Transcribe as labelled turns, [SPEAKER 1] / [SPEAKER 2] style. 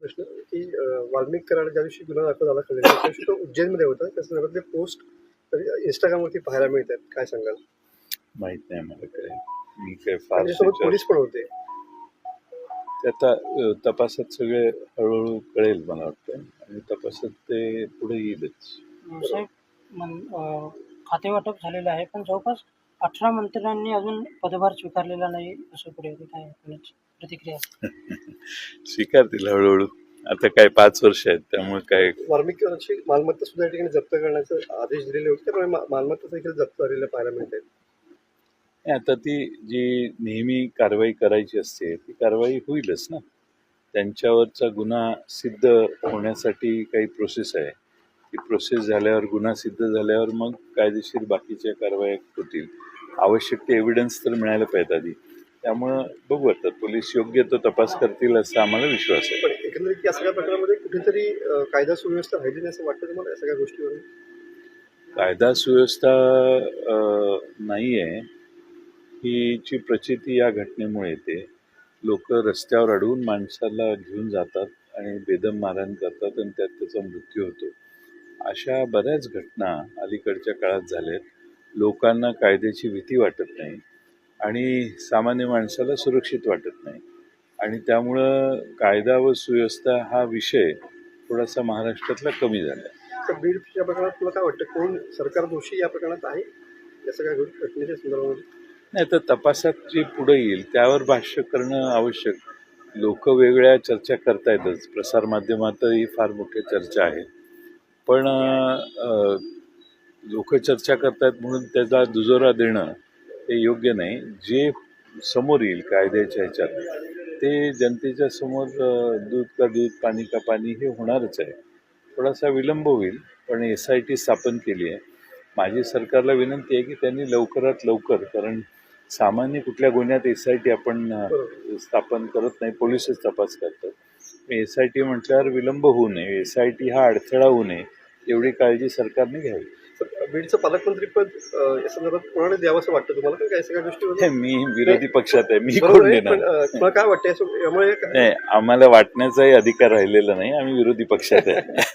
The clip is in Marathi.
[SPEAKER 1] प्रश्न की वाल्मिक कराड ज्या दिवशी गुन्हा दाखल झाला कळलेला त्या दिवशी तो उज्जैनमध्ये होता. त्या संदर्भातले पोस्ट इंस्टाग्रामवरती पाहायला मिळतात. काय सांगाल?
[SPEAKER 2] माहित नाही मला काय. मी काय
[SPEAKER 1] त्याच्यासोबत
[SPEAKER 2] फार
[SPEAKER 1] पोलीस पण होते.
[SPEAKER 2] ते आता तपासात सगळे हळूहळू कळेल मला वाटतं आणि तपासात ते पुढे येईलच.
[SPEAKER 3] साहेब खाते वाटप झालेलं आहे, पण जवळपास 18 मंत्र्यांनी अजून पदभार स्वीकारलेला नाही असं पुढे होते. काय कोणाची प्रतिक्रिया?
[SPEAKER 2] स्वीकारतील हळूहळू. आता काय 5 वर्ष आहेत त्यामुळे काय.
[SPEAKER 1] वाल्मिक कराडची मालमत्ता सुद्धा या ठिकाणी जप्त करण्याचे आदेश दिलेले होते. त्यामुळे मालमत्ता देखील जप्त झालेल्या पाहायला मिळत आहेत.
[SPEAKER 2] आता ती जी नेहमी कारवाई करायची असते ती कारवाई होईलच ना. त्यांच्यावरचा गुन्हा सिद्ध होण्यासाठी काही प्रोसेस आहे. ती प्रोसेस झाल्यावर गुन्हा सिद्ध झाल्यावर मग कायदेशीर बाकीच्या कारवाया होतील. आवश्यक ते एव्हिडन्स तर मिळायला पाहिजे आधी. त्यामुळं बघू आता पोलीस योग्य तो तपास करतील असा आम्हाला विश्वास आहे.
[SPEAKER 1] पण एकंदरीत या सगळ्या प्रकारामध्ये कुठेतरी कायदा सुव्यवस्था राहिली नाही असं वाटतं तुम्हाला या सगळ्या गोष्टीवरून?
[SPEAKER 2] कायदा सुव्यवस्था नाही आहे हीची प्रचिती या घटनेमुळे येते. लोक रस्त्यावर अडवून माणसाला घेऊन जातात आणि बेदम मारहाण करतात आणि त्यात त्याचा मृत्यू होतो. अशा बऱ्याच घटना अलीकडच्या काळात झाल्यात. लोकांना कायद्याची भीती वाटत नाही आणि सामान्य माणसाला सुरक्षित वाटत नाही आणि त्यामुळं कायदा व सुव्यवस्था हा विषय थोडासा महाराष्ट्रातला कमी झाला.
[SPEAKER 1] तर बीडच्या प्रकरणात तुला काय वाटतं, कोण सरकार दोषी या प्रकरणात आहे या सगळ्या घटनेच्या संदर्भामध्ये?
[SPEAKER 2] नाही तर तपासात जे पुढे येईल त्यावर भाष्य करणं आवश्यक. लोक वेगळ्या चर्चा करतायतच, प्रसारमाध्यमातही फार मोठी चर्चा आहे, पण लोक चर्चा करतायत म्हणून त्याचा दुजोरा देणं हे योग्य नाही. जे समोर येईल कायद्याच्या ह्याच्यात ते जनतेच्या समोर दूध का दूध पाणी का पाणी हे होणारच आहे. थोडासा विलंब होईल पण SIT स्थापन केली आहे. माझी सरकारला विनंती आहे की त्यांनी लवकरात लवकर, कारण सामान्य कुठल्या गुन्ह्यात SIT आपण स्थापन करत नाही, पोलिसच तपास करतात. SIT म्हटल्यावर विलंब होऊ नये, SIT हा अडथळा होऊ नये एवढी काळजी सरकारने घ्यावी.
[SPEAKER 1] बीडचं पालकमंत्री पद या संदर्भात कोणाला द्यावं असं वाटतं तुम्हाला? काय सगळ्या गोष्टी
[SPEAKER 2] मी विरोधी पक्षात आहे, मी कोण देणार?
[SPEAKER 1] तुम्हाला काय वाटतं यामुळे?
[SPEAKER 2] नाही, आम्हाला वाटण्याचाही अधिकार राहिलेला नाही. आम्ही विरोधी पक्षात आहे.